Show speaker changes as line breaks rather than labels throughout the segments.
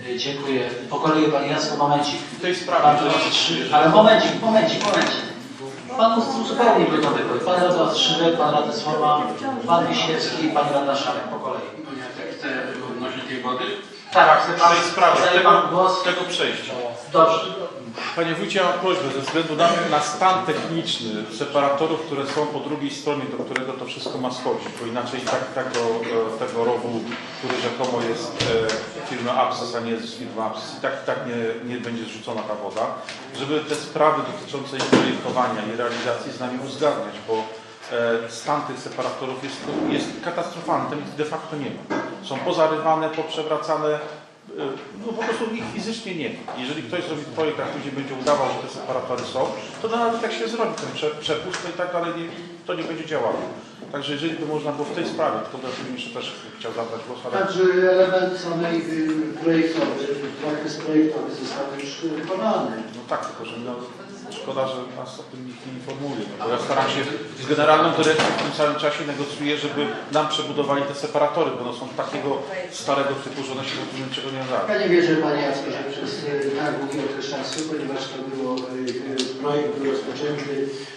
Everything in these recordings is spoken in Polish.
Dziękuję. Po kolei Panie Jacku, momencik.
W tej sprawie.
Ale momencik. Pan zupełnie gotowy. Pan radny Szybek, Pan radny Słowa, Pan Wiśniewski, Pani radna Szarek. Po kolei.
Ja chcę odnośnie tej wody.
Tak, chcę Pan,
W tej sprawie,
głos.
tego przejścia.
Dobrze.
Panie wójcie, ja mam prośbę, ze względu na stan techniczny separatorów, które są po drugiej stronie, do którego to wszystko ma schodzić, bo inaczej tego rowu, który rzekomo jest firmy Apsys, a nie jest firma Apsys, i tak nie będzie zrzucona ta woda, żeby te sprawy dotyczące ich projektowania i realizacji z nami uzgadniać, bo stan tych separatorów jest katastrofalny, tam ich de facto nie ma. Są pozarywane, poprzewracane, no po prostu ich fizycznie nie ma. Jeżeli ktoś zrobi projekt, a później będzie udawał, że te separatory są, to nawet jak się zrobi ten przepust, to i tak dalej to nie będzie działało. Także jeżeli by można było w tej sprawie, to jeszcze też chciał zabrać głos. Ale...
Także element samej projektowy, zakres projektowy został już wykonany.
No tak, tylko że szkoda, że nas o tym nikt nie informuje. No, bo ja staram się z generalną dyrekcją w tym samym czasie negocjuję, żeby nam przebudowali te separatory, bo one są takiego starego typu, że one się w ogóle niczego nie nadają.
Ja nie wierzę, Panie Jacku, że przez tak długi okres czasu, ponieważ to było projekt był rozpoczęty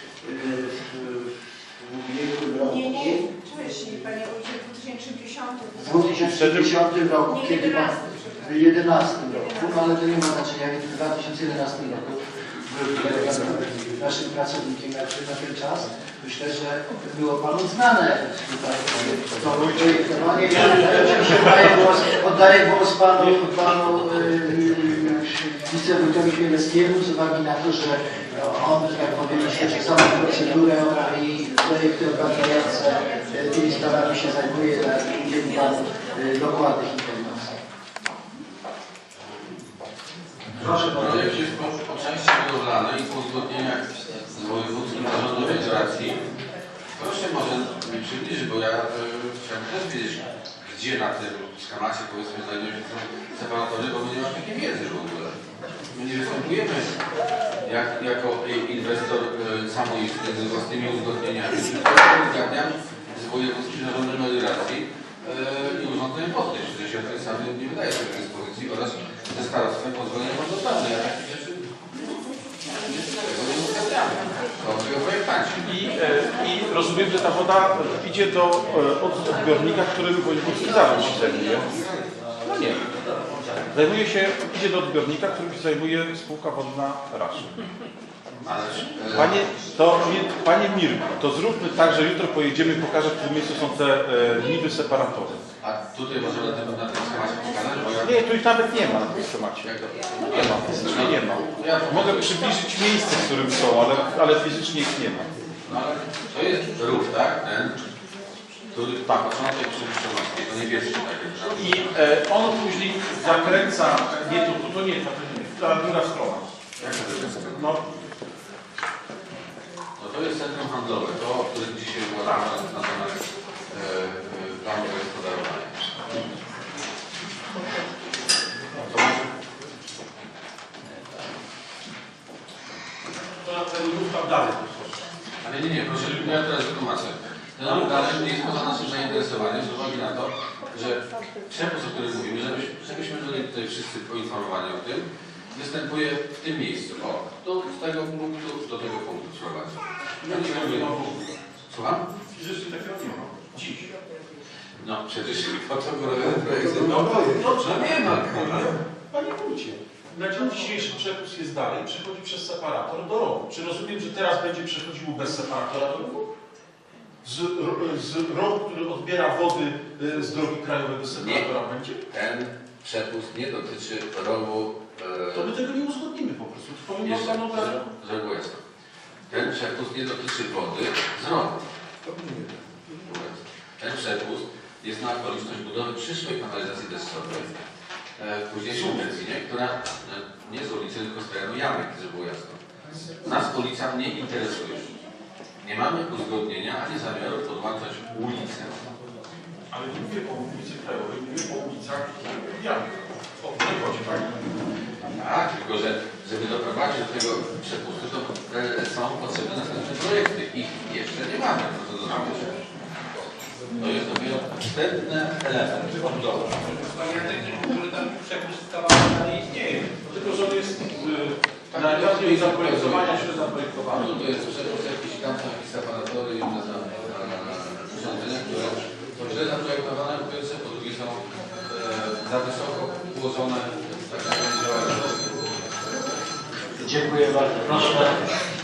w ubiegłym roku.
Nie, wcześniej, Panie Wójcie, w 2010.
W 2010 roku, kiedy Pan w 2011 roku, no ale to nie ma znaczenia, w 2011 roku był naszym pracownikiem na ten czas. Myślę, że było Panu znane tutaj to projektowanie. Oddaję głos Panu wicewójtowi Chmielewskiemu z uwagi na to, że on, jak powiem, śledzi całą procedurę i projekty obarczające tymi sprawami się zajmuje i udzieli Panu dokładnych informacji.
Proszę bardzo.
Projekt jest po części budowlany i po uzgodnieniach z wojewódzkim zarządem federacji. Proszę może mi przybliżyć, bo ja chciałbym też wiedzieć, gdzie na tym schemacie powiedzmy znajdują się separatory, bo my nie mamy takiej wiedzy w ogóle. My nie występujemy jako inwestor samoistny z własnymi uzgodnieniami, tylko uzgadniam z wojewódzkim zarządem federacji i urządzeniem wodnym, że się ten sam nie wydaje sobie dyspozycji oraz ze starostwem pozwolenia wodoprawne. Ja takich rzeczy nie uzgadniamy. To tego projektanci.
I rozumiem, że ta woda idzie od zbiornika, którym wojewódzki zarząd się zajmuje. No nie. Idzie do odbiornika, którym się zajmuje spółka wodna Raszy. Panie Mirku, to zróbmy tak, że jutro pojedziemy i pokażę, w którym miejscu są te niby separatory.
A tutaj może na tym schemacie pokazać? Bo ja...
Nie, tu ich nawet nie ma na tym schemacie. No nie ma, fizycznie nie ma. Mogę przybliżyć miejsce, w którym są, ale fizycznie ich nie ma.
No ale to jest rów, tak? Ten, który początek przy Wyszczomowskiej, to niebieski tak jest.
I on później zakręca, nie to nie, ta druga strona. No.
No to jest centrum handlowe, to o którym dzisiaj uważamy na temat planu gospodarowania.
To na ten ruch tam dalej.
Ale nie, proszę, ja teraz wytłumaczę. Ten ruch dalej nie jest poza naszym zainteresowaniem z uwagi na to, że przepis, o którym mówimy, żebyśmy byli tutaj wszyscy poinformowani o tym, występuje w tym miejscu. O, z tego punktu do tego punktu prowadzi. Słucham?
Przecież takiego nie ma. Dziś.
No przecież po to robiony projekt.
Dobrze, nie ma. Panie wójcie, na dzień dzisiejszy przepust jest dalej, przechodzi przez separator do rowu. Czy rozumiem, że teraz będzie przechodziło bez separatora do rowu? Z rowu, który odbiera wody z drogi krajowej do separatora
nie.
będzie?
Ten przepust nie dotyczy rowu.
To my tego nie uzgodnimy po prostu.
Ten przepust nie dotyczy wody z rowu. Ten przepust jest na okoliczność budowy przyszłej kanalizacji deszczowej w późniejszym terminie, która nie z ulicy, tylko z terenu Jamek, żeby było jasno. Nas ulica nie interesuje. Nie mamy uzgodnienia ani zamiaru podłączać ulicę.
Ale nie mówię o ulicy Krajowej, mówię o ulicach Jamek. O to chodzi, tak?
Tak, tylko że żeby doprowadzić do tego przepustu, to są potrzebne następne projekty. Ich jeszcze nie mamy. To jest dopiero wstępny element odbudowy.
Który tam przepust kawałek
i zaprojektowania się zaprojektowane.
No to jest przepis jakiś kamp, jakieś separatory i inne urządzenia, które są źle zaprojektowane, po pierwsze, po drugie są za wysoko ułożone, tak jak działają.
Dziękuję bardzo. Proszę.